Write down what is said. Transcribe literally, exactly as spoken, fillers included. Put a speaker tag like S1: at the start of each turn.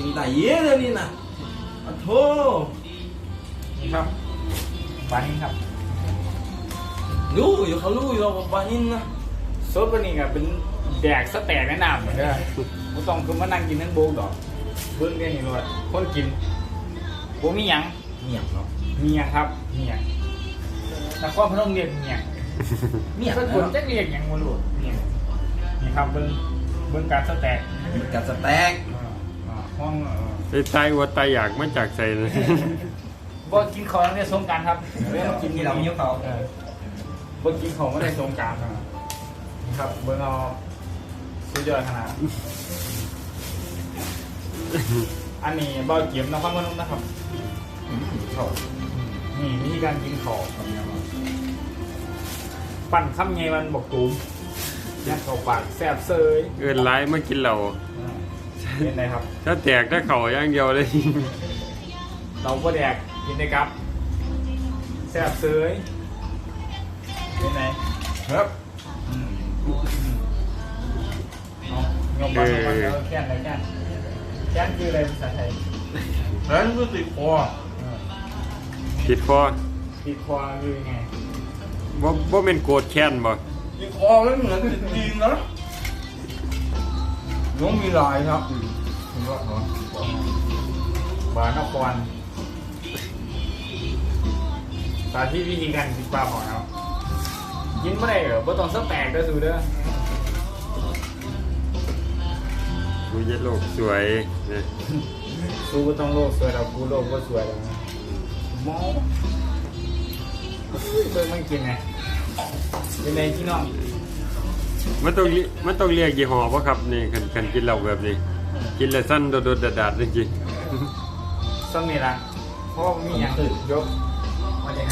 S1: กินแต่เยอะเลยนี่นะอ่ะโธ่
S2: นี่ครับปลาหินครับ
S1: รู้อยู่เขารู้อยู่ว่าปลาหินนะ
S2: ซดวันนี้ก็เป็นแดกสแต็กแนะนำเหมือนเดิมไม่ต้องคือมานั่งกินนั่งโบกดอกเบิ้งได้เห็นว่าคนกินโบมีหยัง
S1: เมียงเนาะ
S2: มีหยังครับมีหยังนครพนมเรียกมีหยัง
S1: เมียง
S2: ส
S1: นะ
S2: กุลจะเรียกหยังมาลูกมีหยังนี่ครับเบิ้งเบิ้งการสแต็ก
S1: กับสแต็ก
S2: อ่าอ่าห้องเอ่อ
S3: ไอ้ตายวัวตายอยากมาจากใส่เลย
S2: บ่กินของในสงกรารครับเรื่องกินที่เรามีเขาเออบ่กินของไม่ได้สงกรารครับเบิ่งเอาสุดยอดขนาดอันนี้เบาเกี๊ยมนครพนมนะครับ
S1: เขา
S2: นี่วิธีการกินของปั่นข้ามไงมันบอกตูมยัดเข้าปากแซ่บเซย
S3: เอินร้ายมากินเหล้า
S2: เป็นไรครับ
S3: ถ้าแตกถ้าเข่าอย่างเดียวเลย
S2: เราก็แดกกินได้ครับแซ่บเซยเป็นไง
S1: ครับ
S2: อืมเอายกมาลงมาแล้วแค่นอะไรแค่นแค่นคืออะไรภาษาไทย
S1: แล้วก็ติดคอ
S2: เออ
S3: ผิดคอ
S2: ติดคอคือไง
S3: บ่บ่เป็นโกรธแค้นบ่
S1: ติดคอไม่เหมือนติดจีนนะน้องมีลายครับเห็นว่าเหรอบ
S2: านครสาธิตวิธีการกินปลาของเรากินไม่ได้เหรอบ่ต้องสแต็กเด้อสูเด้อ
S3: กูจะโลกสวยนะ
S2: สูก็ต้องโลกสวยเรากูโลกก็สวยแล้วนะมองเบิ่งมันกินไงเป็นไงพี่น้อง
S3: มันต้องเรียมันต้องเรียกยี่ห้อป่ะครับนี่คันคันกินเหล้าแบบนี้ กินแล้วสั้นโดดๆดาดๆจริงๆ
S2: ซ้ำนี่ละเพราะว่ามีอย่างอื่นยกมาจาก